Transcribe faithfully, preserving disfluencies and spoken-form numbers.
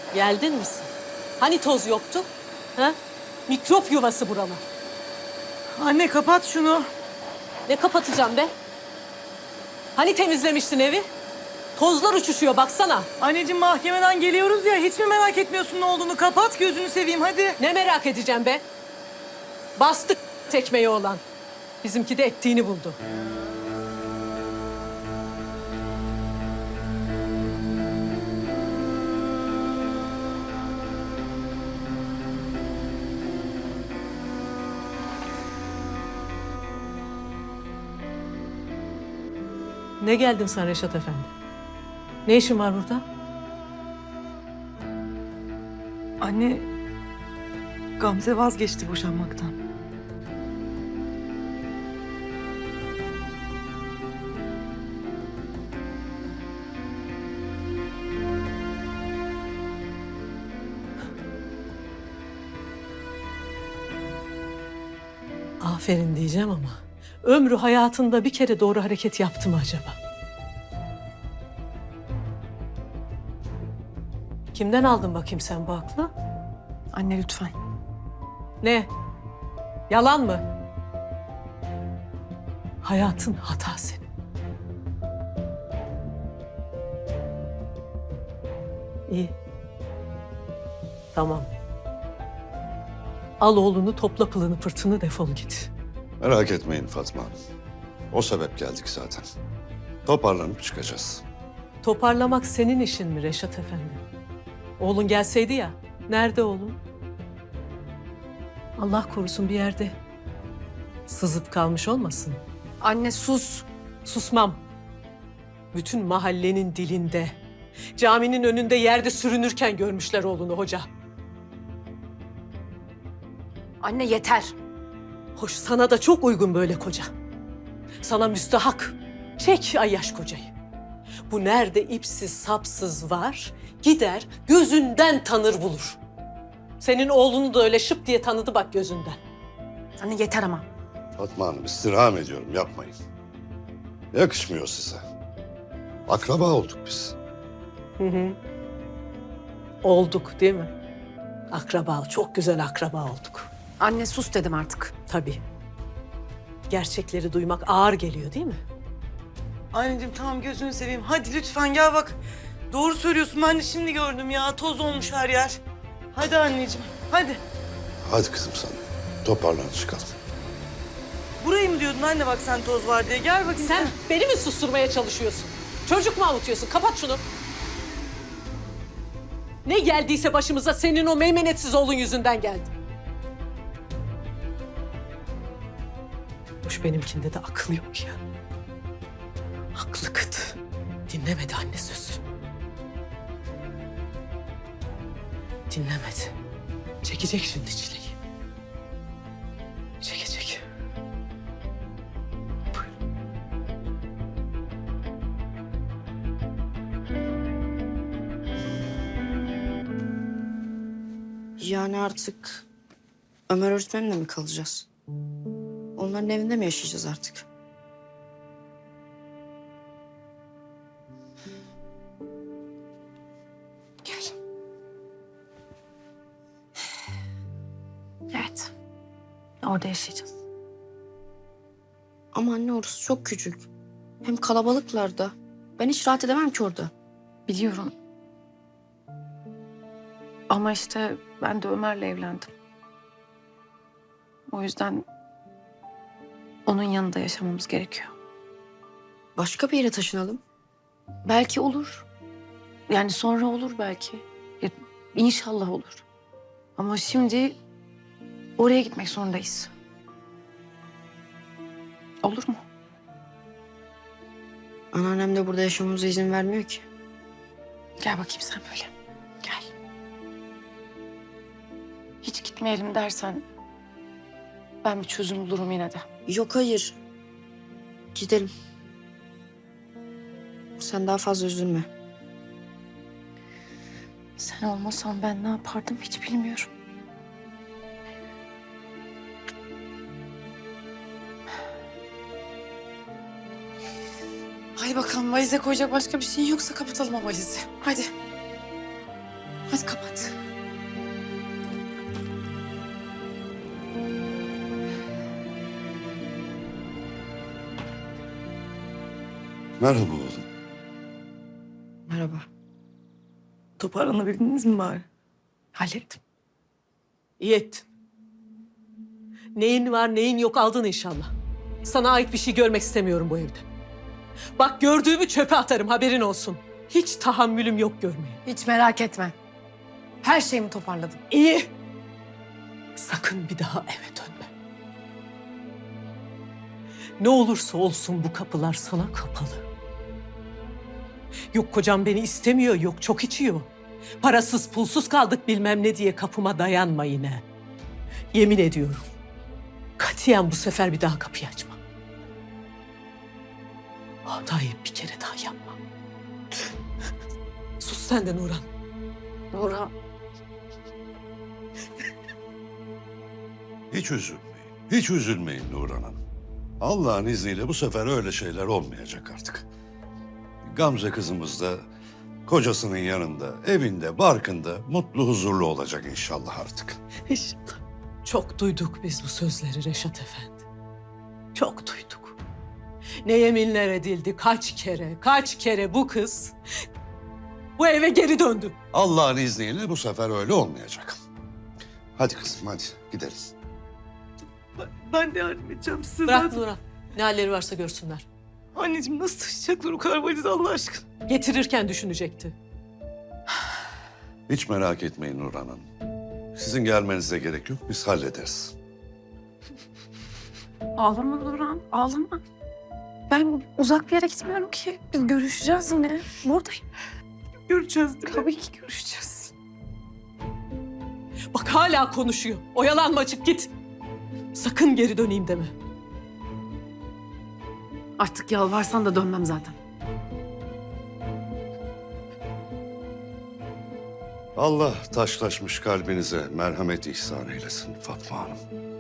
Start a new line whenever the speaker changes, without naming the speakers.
Geldin misin? Hani toz yoktu? Ha? Mikrop yuvası buralar.
Anne kapat şunu.
Ne kapatacağım be? Hani temizlemiştin evi? Tozlar uçuşuyor baksana.
Anneciğim mahkemeden geliyoruz ya, hiç mi merak etmiyorsun ne olduğunu? Kapat gözünü seveyim hadi.
Ne merak edeceğim be? Bastık tekmeyi olan. Bizimki de ettiğini buldu. Ne geldin sen Reşat Efendi? Ne işin var burada?
Anne, Gamze vazgeçti boşanmaktan.
Aferin diyeceğim ama ömrü hayatında bir kere doğru hareket yaptı mı acaba? Kimden aldın bakayım sen bu aklı?
Anne lütfen.
Ne? Yalan mı? Hayatın hata senin. İyi. Tamam. Al oğlunu, topla pılını pırtını, defol git.
Merak etmeyin Fatma Hanım. O sebep geldik zaten. Toparlanıp çıkacağız.
Toparlamak senin işin mi Reşat Efendi? Oğlun gelseydi ya, nerede oğlun? Allah korusun bir yerde sızıp kalmış olmasın.
Anne sus.
Susmam. Bütün mahallenin dilinde, caminin önünde yerde sürünürken görmüşler oğlunu hoca.
Anne yeter.
Hoş sana da çok uygun böyle koca. Sana müstahak. Çek ayyaş kocayı. Bu nerede ipsiz sapsız var, gider gözünden tanır bulur. Senin oğlunu da öyle şıp diye tanıdı bak gözünden.
Anne yeter ama.
Fatma Hanım istirham ediyorum yapmayın. Yakışmıyor size. Akraba olduk biz.
Hı hı. Olduk değil mi? Akraba, çok güzel akraba olduk.
Anne sus dedim artık.
Tabii. Gerçekleri duymak ağır geliyor değil mi?
Anneciğim tamam gözünü seveyim. Hadi lütfen gel bak. Doğru söylüyorsun, ben de şimdi gördüm ya. Toz olmuş her yer. Hadi anneciğim, hadi.
Hadi kızım sen. Toparlan çıkalım.
Burayı mı diyordun anne bak sen toz var diye? Gel bakayım
Sen beni mi susturmaya çalışıyorsun? Çocuk mu avutuyorsun? Kapat şunu. Ne geldiyse başımıza senin o meymenetsiz oğlun yüzünden geldi. Hoş benimkinde de akıl yok ya. Aklı kıt. Dinlemedi anne sözü. Dinlemedi. Çekecek şimdi çileyi. Çekecek.
Yani artık Ömer öğretmenimle mi kalacağız? Onların evinde mi yaşayacağız artık?
Gel. Evet. Orada yaşayacağız.
Ama anne orası çok küçük. Hem kalabalıklar da. Ben hiç rahat edemem ki orada.
Biliyorum. Ama işte ben de Ömer'le evlendim. O yüzden onun yanında yaşamamız gerekiyor.
Başka bir yere taşınalım.
Belki olur. Yani sonra olur belki. Ya, İnşallah olur. Ama şimdi oraya gitmek zorundayız. Olur mu?
Anneannem de burada yaşamamıza izin vermiyor ki.
Gel bakayım sen böyle. Gel. Hiç gitmeyelim dersen ben bir çözüm bulurum yine de.
Yok hayır. Gidelim. Sen daha fazla üzülme.
Sen olmasan ben ne yapardım hiç bilmiyorum. Hadi bakalım valize koyacak başka bir şey yoksa kapatalım o valizi. Hadi. Hadi kapat.
Merhaba oğlum.
Merhaba.
Toparlanabildiniz mi bari?
Hallettim.
İyi ettin. Neyin var neyin yok aldın inşallah. Sana ait bir şey görmek istemiyorum bu evde. Bak gördüğümü çöpe atarım haberin olsun. Hiç tahammülüm yok görmeye.
Hiç merak etme. Her şeyimi toparladım.
İyi. Sakın bir daha eve dönme. Ne olursa olsun bu kapılar sana kapalı. Yok kocam beni istemiyor, yok çok içiyor. Parasız pulsuz kaldık bilmem ne diye kapıma dayanma yine. Yemin ediyorum. Katiyen bu sefer bir daha kapıyı açma. Hatayı bir kere daha yapma. Sus sen de Nurhan.
Nurhan.
Hiç üzülmeyin. Hiç üzülmeyin Nurhan Hanım. Allah'ın izniyle bu sefer öyle şeyler olmayacak artık. Gamze kızımız da kocasının yanında, evinde, barkında mutlu, huzurlu olacak inşallah artık.
İnşallah. Çok duyduk biz bu sözleri Reşat Efendi. Çok duyduk. Ne yeminler edildi kaç kere, kaç kere bu kız bu eve geri döndü.
Allah'ın izniyle bu sefer öyle olmayacak. Hadi kızım hadi gidelim.
Ben, ben de yardım edeceğim size
Bırak
zaten.
Nurhan. Ne halleri varsa görsünler.
Anneciğim nasıl taşıyacaklar o kadar valizi Allah aşkına?
Getirirken düşünecekti.
Hiç merak etmeyin Nurhan Hanım. Sizin gelmenize gerek yok, biz hallederiz.
Ağlama Nurhan, ağlama. Ben uzak bir yere gitmiyorum ki. Biz görüşeceğiz yine. Buradayım.
Göreceğiz değil mi?
Tabii ki görüşeceğiz.
Bak hala konuşuyor. Oyalanma çık git. Sakın geri döneyim deme.
Artık yalvarsan da dönmem zaten.
Allah taşlaşmış kalbinize merhamet ihsan eylesin Fatma Hanım.